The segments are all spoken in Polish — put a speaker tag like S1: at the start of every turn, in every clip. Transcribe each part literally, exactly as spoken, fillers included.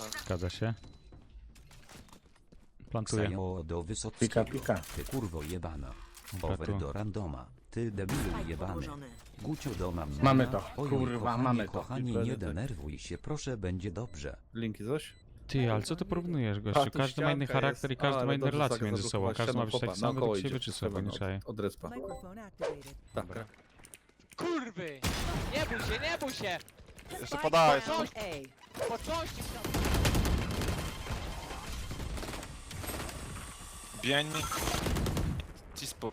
S1: Zgadza się. Plantuję.
S2: Ksajo do Wysockiego.
S3: Pika, pika.
S2: Ty kurwo jebana.
S1: Dobra,
S2: Over
S1: tu.
S2: do randoma. Ty debilu jebany. Gucio do mam.
S3: Mamy to.
S2: Oj,
S3: Kurwa,
S2: kochanie,
S3: mamy to.
S2: Kochanie, nie denerwuj się, proszę, będzie dobrze.
S4: Linki coś?
S1: Ty, ale co ty porównujesz,
S4: A,
S1: gościu?
S4: tu
S1: Każdy ma inny
S4: ścianka
S1: charakter i
S4: jest.
S1: każdy
S4: A,
S1: ma
S4: ale
S1: inne
S4: dobrze,
S1: relacje
S4: tak,
S1: między sobą.
S4: zablokować.
S1: Każdy ma być
S4: Siadam,
S1: taki
S4: chopa,
S1: sam,
S4: naokoło
S1: według siebie
S4: idzie.
S1: czy co,
S4: Siadam
S1: nie
S4: od-
S1: czaję.
S4: Od respa. Tak.
S5: Kurwy! Nie bój się, nie bój się!
S6: Jeszcze podałeś.
S5: Po części
S6: Bień. Cispo.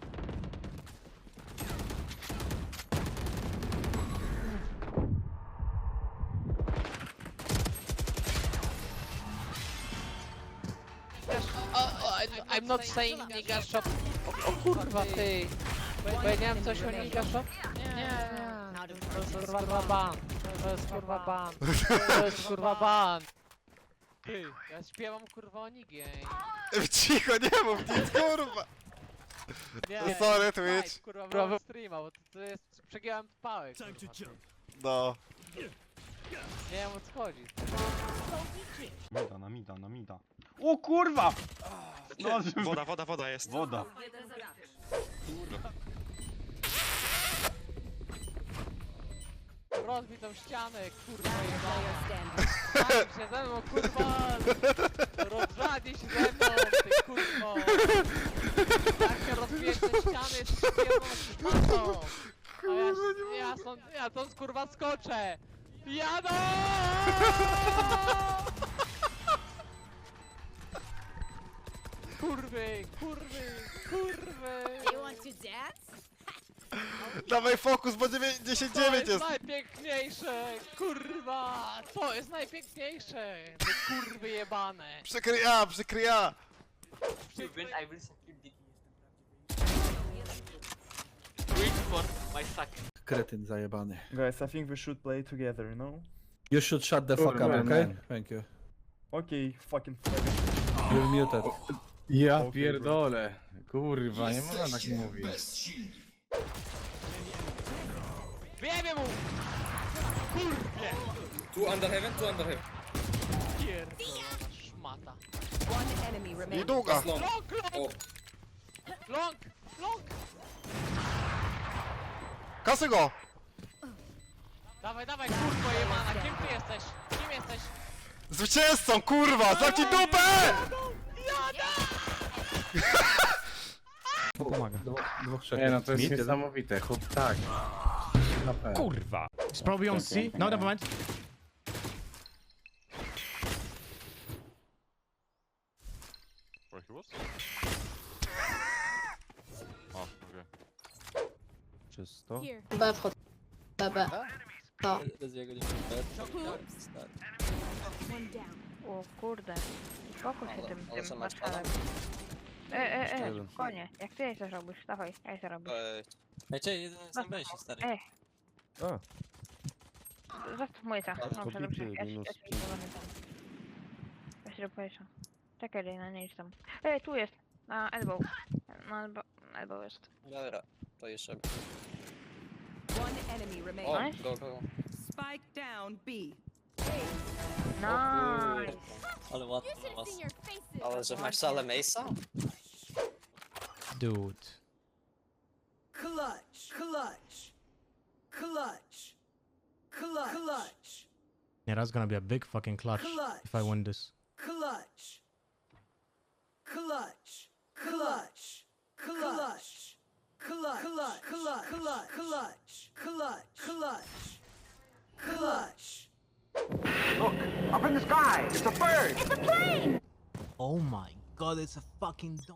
S5: I'm not saying nigga shop. O, o kurwa ty! Powiedziałem coś o nigga shop? Nie, nie. To jest kurwa ban. To jest kurwa ban. To jest kurwa ban. Ty, ja śpiewam kurwa o nigie.
S6: Cicho, nie mów nic, kurwa.
S5: Nie,
S6: Sorry, Twitch.
S5: kurwa, brawo streama, bo to, to jest... Przegiąłem pałek, kurwa. Ty.
S6: No.
S5: Nie wiem o co chodzi.
S7: Mida, na mida, na mida. O kurwa! No,
S6: Woda, woda, woda jest.
S7: woda.
S5: Rozbij tą ścianę, kurwa jebana. Zanim się ze mną, kurwa! Rozradzi się ze mną, ty kurwo! Jak się rozbijesz te ściany, jest przyjemną szmatą! A ja, ja, stąd, ja stąd kurwa skoczę! Jadą! Kurwy, kurwy, kurwy!
S8: You want to dance?
S6: Dawaj fokus, bo dziewięćdziesiąt dziewięć
S5: To
S6: jest.
S5: jest najpiękniejsze! Kurwa! To jest najpiękniejsze! Te kurwy jebane!
S6: Przykryja, przykryja.
S4: Kretyn zajebany.
S9: Guys, I think we should play together, no?
S4: You should shut the fuck up,
S3: Kurwa,
S4: okay?
S3: man.
S4: Thank you.
S9: Okay, fucking fuck.
S4: You're muted.
S3: Ja pierdolę. Kurwa, nie można tak mówić.
S5: Wiemy mu! Kurwie!
S10: Two under heaven, two under heaven.
S5: Pierdolona szmata.
S8: One enemy
S6: I
S8: remaining.
S6: długa.
S10: Long.
S5: Long, long!
S10: Oh,
S5: Long, long!
S6: Kasy go.
S5: Dawaj, dawaj, kurwo jebana, kim ty jesteś? Kim jesteś?
S6: Zwycięzcą, kurwa, zamknij dupę!
S1: Pomaga.
S4: Dwóch, trzech.
S3: Nie no, to jest
S4: Mid, jeden.
S3: niesamowite. Chłop tak. Na pewno.
S1: Kurwa!
S11: Spróbuj on C. No, never mind.
S6: Where he was? O, okej.
S4: Czysto.
S8: B wchod. B, B. To.
S12: O kurde, spokój się tym, tym marszalem. E, e, e, konie, jak ty coś robisz, dawaj, ja co robisz.
S10: Ej, czekaj, jeden sam będzie, stary.
S12: E,
S4: A.
S12: zostaw moje ta, no
S4: to
S12: dobrze,
S4: bity
S12: ja się
S4: minus
S12: ja się nie tam. Ja się dopowieszam. Czekaj, Lejna, nie idź tam. E, tu jest, na elbow. Na elbow, elbow jest.
S10: Dobra, to jeszcze.
S8: One enemy
S10: O,
S8: remaining.
S10: go, go.
S8: Spike down B.
S12: Nice!
S10: Ale ładnie na was. Ale że masz salę Mace'a?
S11: Dude.
S8: Clutch. Clutch. Clutch. Clutch. Clutch.
S11: Yeah, that's gonna be a big fucking clutch if I win this.
S8: Clutch. Clutch. Clutch. Clutch. Clutch. Clutch. Clutch. Clutch. Clutch. Clutch. Clutch. Clutch.
S9: Look! Up in the sky! It's a bird!
S11: Oh my god, it's a fucking dog.